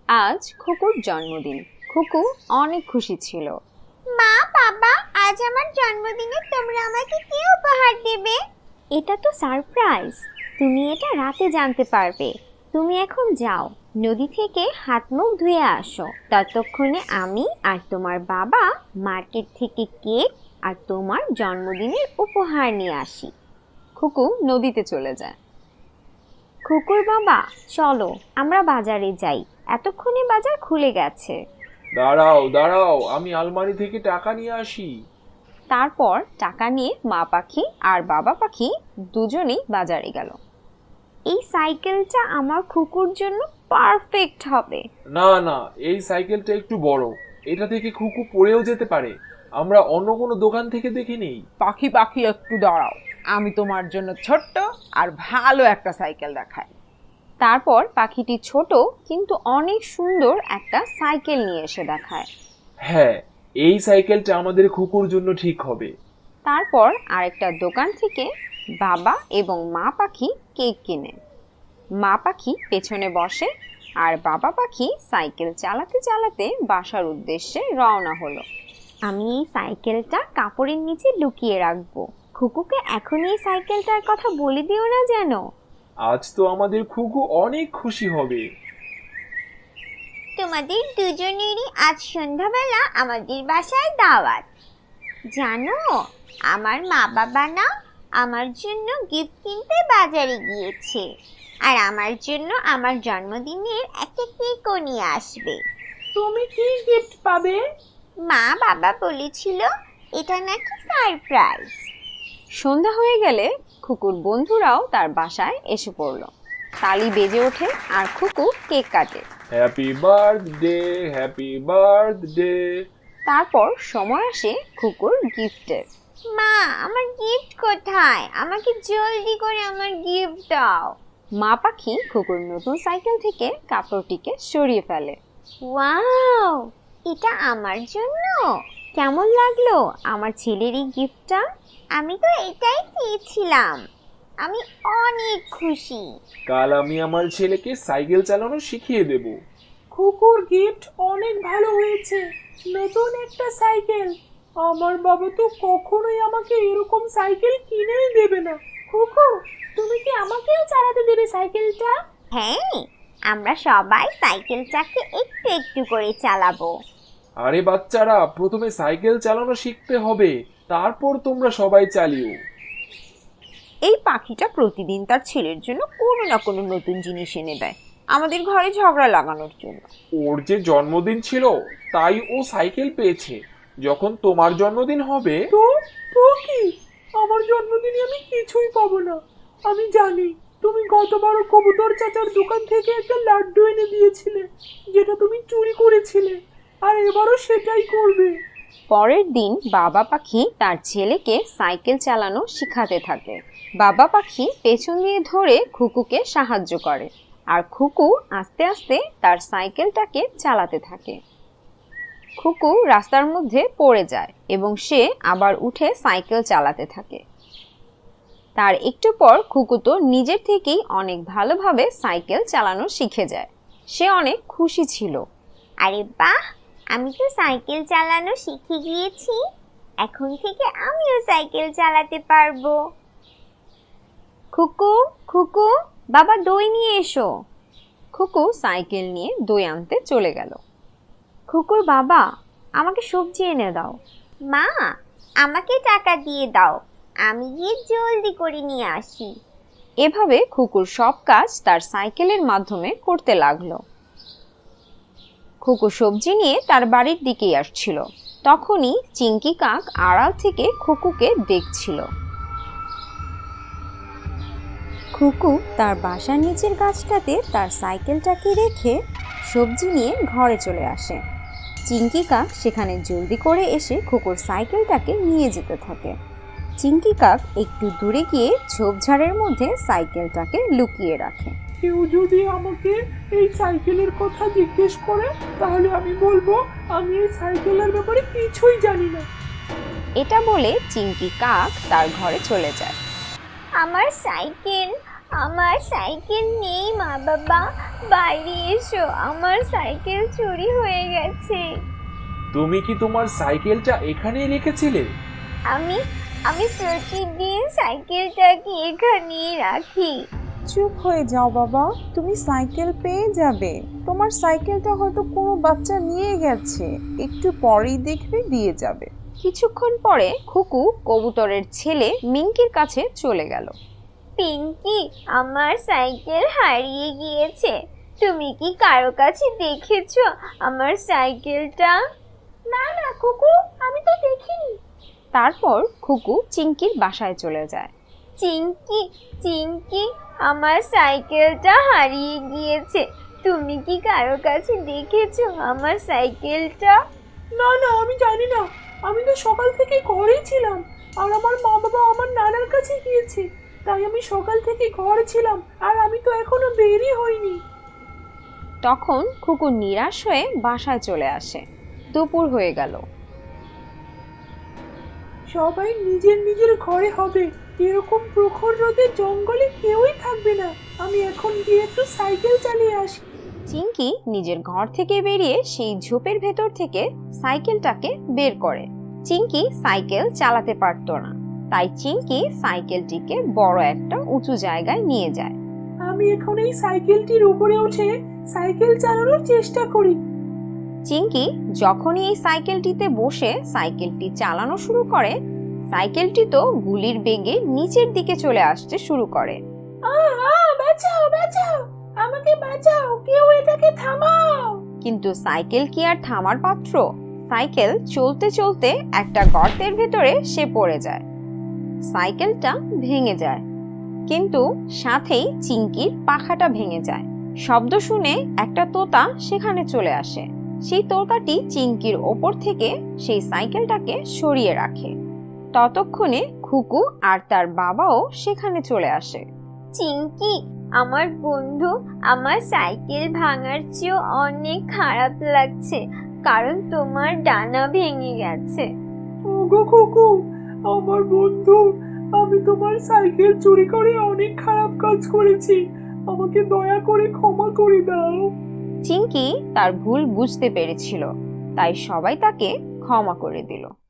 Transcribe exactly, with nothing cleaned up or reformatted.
আজ খুকুর জন্মদিন। খুকু অনেক খুশি ছিল। মা, বাবা, আজ আমার জন্মদিনে তোমরা আমাকে কি উপহার দেবে? এটা তো সারপ্রাইজ, তুমি এটা রাতে জানতে পারবে। তুমি এখন যাও, নদী থেকে হাত মুখ ধুয়ে আসো। ততক্ষণে আমি আর তোমার বাবা মার্কেট থেকে কেক আর তোমার জন্মদিনের উপহার নিয়ে আসি। খুকু নদীতে চলে যায়। খুকুর বাবা, চলো আমরা বাজারে যাই, এতক্ষণে বাজার খুলে গেছে। দাঁড়াও দাঁড়াও, আমি আলমারি থেকে টাকা নিয়ে আসি। তারপর টাকা নিয়ে মা পাখি আর বাবা পাখি দুজনেই বাজারে গেল। এই সাইকেলটা আমার খুকুর জন্য পারফেক্ট হবে। না না, এই সাইকেলটা একটু বড়, এটা থেকে খুকু পড়েও যেতে পারে। আমরা অন্য কোনো দোকান থেকে দেখে নেই। পাখি পাখি একটু দাঁড়াও, আমি তোমার জন্য ছোট্ট আর ভালো একটা সাইকেল দেখাই। তারপর পাখিটি ছোট কিন্তু অনেক সুন্দর একটা সাইকেল নিয়ে এসে দেখায়। হ্যাঁ, এই সাইকেলটা আমাদের খুকুর জন্য ঠিক হবে। তারপর আরেকটা দোকান থেকে বাবা এবং মা পাখি কেক কিনে। মা পাখি পেছনে বসে আর বাবা পাখি সাইকেল চালাতে চালাতে বাসার উদ্দেশ্যে রওনা হলো। আমি এই সাইকেলটা কাপড়ের নিচে লুকিয়ে রাখবো। খুকুকে এখন এই সাইকেলটার কথা বলে দিও না যেন। আজ তো আমাদের খুকু অনেক খুশি হবে। তোমাদের দুজনেরই আজ সন্ধ্যাবেলা আমাদের বাসায় দাওয়াত। জানো, আমার মা বাবা না আমার জন্য গিফট কিনতে বাজারে গিয়েছে, আর আমার জন্য আমার জন্মদিনের একটা কেকও নিয়ে আসবে। তুমি কি গিফট পাবে? মা বাবা বলেছিল এটা নাকি সারপ্রাইজ। সন্ধ্যা হয়ে গেলে খুকুর বন্ধুরাও তার বাসায় এসে পড়ল। তালি বেজে ওঠে আর খুকু কেক কাটে। Happy birthday, happy birthday. তারপর সময় আসে খুকুর গিফটের। মা, আমার গিফট কোথায়? আমাকে জলদি করে আমার গিফট দাও। মা পাখি খুকুর নতুন সাইকেল থেকে কাপড়টিকে সরিয়ে ফেলে। ওয়াও, এটা আমার জন্য। কেমন লাগলো আমার ছেলের এই গিফটটা? আমি তো এটাই চেয়েছিলাম। আমি অনেক খুশি। কাল আমি আমার ছেলেকে সাইকেল চালানো শিখিয়ে দেব। খুকুর গিফট অনেক ভালো হয়েছে, নতুন একটা সাইকেল। আমার বাবা তো কখনোই আমাকে এরকম সাইকেল কিনেই দেবে না। খুকু, তুমি কি আমাকেও চালাতে দেবে সাইকেলটা? হ্যাঁ, আমরা সবাই সাইকেলটাকে একটু একটু করে চালাবো। আরে বাচ্চারা, প্রথমে সাইকেল চালানো শিখতে হবে, তারপর তোমরা সবাই চালিও। এই পাখিটা প্রতিদিন তার ছেলের জন্য কোনো না কোনো নতুন জিনিস এনে দেয়, আমাদের ঘরে ঝগড়া লাগানোর জন্য। ওর যে জন্মদিন ছিল তাই ও সাইকেল পেয়েছে। যখন তোমার জন্মদিন হবে তো তো কি, আমার জন্মদিনে আমি কিছুই পাবো না। আমি জানি তুমি গতবারও কবুতর চাচার দোকান থেকে একটা লাড্ডু এনে দিয়েছিলে, যেটা তুমি চুরি করেছিলে, আর এবারও সেটাই করবে। পরের দিন বাবা পাখি তার ছেলেকে সাইকেল চালানো শিখাতে থাকে। বাবা পাখি পেছন দিয়ে ধরে খুকুকে সাহায্য করে আর খুকু আস্তে আস্তে তার সাইকেলটাকে চালাতে থাকে। খুকু রাস্তার মধ্যে পড়ে যায় এবং সে আবার উঠে সাইকেল চালাতে থাকে। তার একটু পর খুকু তো নিজের থেকেই অনেক ভালোভাবে সাইকেল চালানো শিখে যায়। সে অনেক খুশি ছিল। আরে বাহ, আমি তো সাইকেল চালানো শিখে গিয়েছি। এখন থেকে আমিও সাইকেল চালাতে পারবো। খুকু, খুকু, বাবা দই নিয়ে এসো। খুকু সাইকেল নিয়ে দই আনতে চলে গেল। খুকুর বাবা, আমাকে সবজি এনে দাও। মা, আমাকে টাকা দিয়ে দাও, আমি গিয়ে জলদি করে নিয়ে আসি। এভাবে খুকুর সব কাজ তার সাইকেলের মাধ্যমে করতে লাগলো। খুকু সবজি নিয়ে তার বাড়ির দিকেই আসছিল। তখনই চিংকি কাক আড়াল থেকে খুকুকে দেখছিল। খুকু তার বাসার নিচের গাছটাতে তার সাইকেলটাকে রেখে সবজি নিয়ে ঘরে চলে আসে। চিংকি কাক সেখানে জলদি করে এসে খুকুর সাইকেলটাকে নিয়ে যেতে থাকে। চিংকি কাক একটু দূরে গিয়ে ঝোপঝাড়ের মধ্যে সাইকেলটাকে লুকিয়ে রাখে। কেউ যদি আমাকে এই সাইকেলের কথা জিজ্ঞেস করে, তাহলে আমি বলবো আমি এই সাইকেলের ব্যাপারে কিছুই জানি না। এটা বলে চিংকি কাক তার ঘরে চলে যায়। আমার সাইকেল, আমার সাইকেল নেই মা বাবা, বাইরে এসো, আমার সাইকেল চুরি হয়ে গেছে। তুমি কি তোমার সাইকেলটা এখানেই রেখেছিলে? আমি আমি প্রতিদিন সাইকেলটাকে এখানেই রাখি। চুপ হয়ে যাও বাবা, তুমি সাইকেল পেয়ে যাবে। তোমার সাইকেলটা হয়তো কোনো বাচ্চা নিয়ে গেছে, একটু পরেই দেখবে দিয়ে যাবে। কিছুক্ষণ পরে খুকু কবুতরের ছেলে মিঙ্কির কাছে চলে গেল। পিঙ্কি, আমার সাইকেল হারিয়ে গিয়েছে। তুমি কি কারো কাছে দেখেছো আমার সাইকেলটা? না না কুকু, আমি তো দেখিনি। তারপর খুকু চিঙ্কির বাসায় চলে যায়। চিঙ্কি চিঙ্কি, আমার সাইকেলটা হারিয়ে গিয়েছে। তুমি কি কারো কাছে দেখেছো আমার সাইকেলটা? না না, আমি জানি না। আমি তো সকাল থেকে ঘরেই ছিলাম, আর আমার মা বাবা আমার নানার কাছে গিয়েছে, তাই আমি সকাল থেকে ঘরে ছিলাম, আর আমি তো এখনো বেরই হইনি। তখন খুকু নিরাশ হয়ে বাসায় চলে আসে। দুপুর হয়ে গেল। সবাই নিজের নিজের ঘরে হবে, এরকম প্রখর রোদে জঙ্গলে কেউই থাকবে না। আমি এখন গিয়ে একটু সাইকেল চালিয়ে আসি। চিঙ্কি নিজের ঘর থেকে বেরিয়ে সেই ঝোপের ভেতর থেকে সাইকেলটাকে বের করে। চিঙ্কি সাইকেল চালাতে পারতো না, তাই চিঙ্কি সাইকেলটিকে বড় একটা উঁচু জায়গায় নিয়ে যায়। আমি এখন এই সাইকেলটির উপরে উঠে সাইকেল চালানোর চেষ্টা করি। চিঙ্কি যখনই এই সাইকেলটিতে বসে সাইকেলটি চালানো শুরু করে, সাইকেলটি তো গুলির বেগে নিচের দিকে চলে আসতে শুরু করে। আহ আহ, বাঁচাও বাঁচাও, আমাকে বাঁচাও, কেউ এটাকে থামাও। কিন্তু সাইকেল কি আর থামার পাত্র? সাইকেল চলতে চলতে একটা গর্তের ভেতরে সে পড়ে যায়। সাইকেলটা ভেঙে যায়, কিন্তু সাথেই চিঙ্কির পাখাটা ভেঙে যায়। শব্দ শুনে একটা তোতা সেখানে চলে আসে। সেই তোতাটি চিঙ্কির ওপর থেকে সেই সাইকেলটাকে সরিয়ে রাখে। ততক্ষণে খুকু আর তার বাবাও সেখানে চলে আসে। চিঙ্কি, আমার বন্ধু, আমার সাইকেল ভাঙার চেয়েও অনেক খারাপ লাগছে, কারণ তোমার ডানা ভেঙে গেছে। ওগো খুকু, আমার বন্ধু, আমি তোমার সাইকেল চুরি করে অনেক খারাপ কাজ করেছি, আমাকে দয়া করে ক্ষমা করে দাও। চিঙ্কি তার ভুল বুঝতে পেরেছিল, তাই সবাই তাকে ক্ষমা করে দিল।